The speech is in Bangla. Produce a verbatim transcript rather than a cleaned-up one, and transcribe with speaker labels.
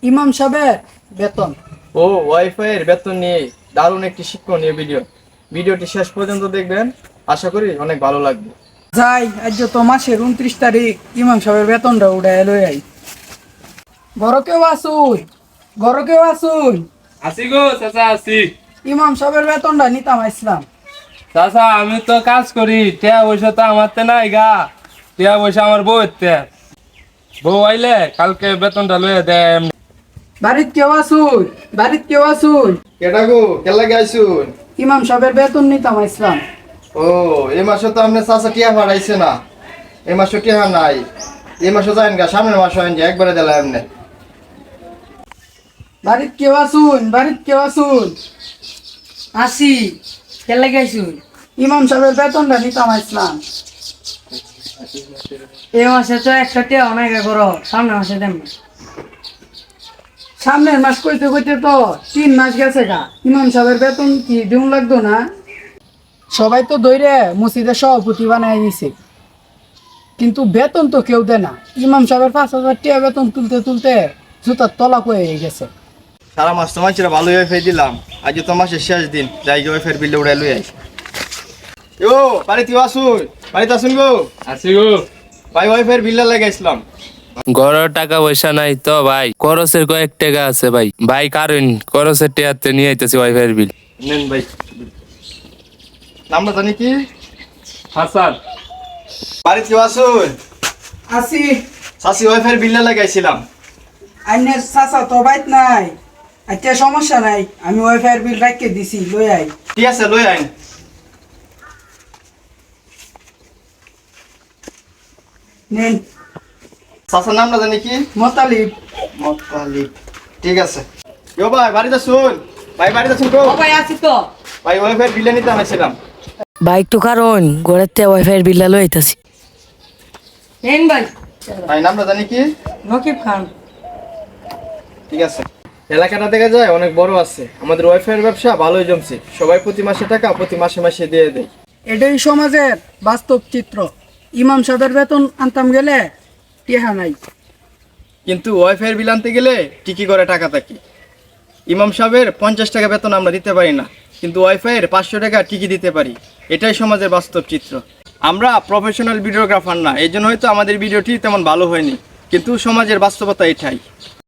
Speaker 1: ইমাম সাহেবের বেতন।
Speaker 2: ও ওয়াইফাই এর বেতন নিয়ে দারুণ একটি শিক্ষণীয় ভিডিও। ভিডিওটি শেষ পর্যন্ত দেখবেন, আশা করি অনেক ভালো লাগবে।
Speaker 1: যাই আজ তো মাসের উনত্রিশ তারিখ ইমাম সাহেবের বেতনটা উঠায় লই আই। বড় কেউ আসুন, বড় কেউ আসুন।
Speaker 3: আসি গো চাচা আসি।
Speaker 1: ইমাম সাহেবের বেতনটা নিতাম আসলাম।
Speaker 3: চাচা আমি তো কাজ করি, টিয়া পয়সা তো আমার তে নাই গা, টিয়া পয়সা আমার বউ তে। বউ আইলে কালকে বেতনটা লইয়া দেয়।
Speaker 1: বাড়িত কেউ আসুন, বাড়িত কেউ আসুন।
Speaker 2: কেডা গো কেলা গাইছুন?
Speaker 1: ইমাম সাহেবের বেতন নিতাম আসলাম।
Speaker 2: ও এই মাসে তো আপনি চাচা টিয়া ভাড়াইছে না, এই মাসে টিয়া নাই। এই মাসে যাইন গা, সামনের মাসে আইন যে একবারে দিলাম এমনি।
Speaker 1: বাড়িত কেউ আসুন, বাড়িত কেউ আসুন।
Speaker 4: আসি কেলে গাইছু
Speaker 1: ইমাম সাহেবের বেতনটা নিতাম আসলাম।
Speaker 4: এই মাসে তো একটা টিয়া অনেক করো, সামনে মাসে দেন না।
Speaker 1: সামনের মাস কইতে কইতে তো তিন মাস গেছে গা। ইমাম সাহেবের বেতন কি দিন লাগতো না? সবাই তো দৈরে মসজিদের সভাপতি বানাই দিছে, কিন্তু বেতন তো কেউ দেয় না। ইমাম সাহেবের পাঁচ হাজার টাকা বেতন তুলতে তুলতে জুতার তলা হয়ে গেছে।
Speaker 2: সারা মাস তো মাইছিরা ভালো ওয়াইফাই দিলাম, আজ তো মাসের শেষ দিন, যাই গিয়ে ওয়াইফাই বিলটা উড়াই লই আই। ও বাড়িতে আসুন, বাড়িতে আসুন গো।
Speaker 3: আসি গো।
Speaker 2: ভাই ওয়াইফাই বিলটা লাগাইছিলাম।
Speaker 3: ঘরের টাকা পয়সা নাই তো ভাই, খরচের কয়েক টাকা আছে ভাই। ভাই কারণ খরচের টিয়াতে নিয়ে আইতেছি ওয়াইফাই বিল।
Speaker 2: নেন ভাই। নামটা জানি কি?
Speaker 3: হাসান।
Speaker 2: বাড়িতে আসুন।
Speaker 1: আসি।
Speaker 2: চাষি ওয়াইফাই বিলটা লাগাইছিলাম।
Speaker 1: আইনের চাচা তো বাইত নাই, আচ্ছা সমস্যা নাই, আমি ওয়াইফাই বিল রাখকে দিছি, লই আই।
Speaker 2: ঠিক আছে লই আইন।
Speaker 1: নেন।
Speaker 2: চাচার নামটা জানি কি?
Speaker 1: মতালিব।
Speaker 2: মতালিব। ঠিক আছে। ইয়ো ভাই বাড়িতে আসুন। ভাই বাড়িতে আসুন গো।
Speaker 4: ভাই আসি তো।
Speaker 2: ভাই ওয়াইফাই বিলটা নিতে আনাইছিলাম।
Speaker 4: বাইক তো কারণ ঘরের তে ওয়াইফাই এর বিল লই আইতাছি। নেন ভাই।
Speaker 2: ভাই নামটা জানি কি?
Speaker 4: রকিব খান।
Speaker 2: ঠিক আছে। এলাকাটা দেখা যায় অনেক বড় আছে, আমাদের ওয়াইফাই এর ব্যবসা ভালোই জমছে। সবাই প্রতি মাসে টাকা প্রতি মাসে মাসে দিয়ে দেয়।
Speaker 1: এটাই সমাজের বাস্তব চিত্র। ইমাম সাহেবের বেতন আনতাম গেলে টিহা নাই,
Speaker 2: কিন্তু ওয়াইফাই এর বিল আনতে গেলে টিকি করে টাকা থাকে। ইমাম সাহেবের পঞ্চাশ টাকা বেতন আমরা দিতে পারি না, কিন্তু ওয়াইফাই এর পাঁচশো টাকা টিকি দিতে পারি। এটাই সমাজের বাস্তব চিত্র। আমরা প্রফেশনাল ভিডিওগ্রাফার না, এই জন্য হয়তো আমাদের ভিডিওটি তেমন ভালো হয়নি, কিন্তু সমাজের বাস্তবতা এটাই।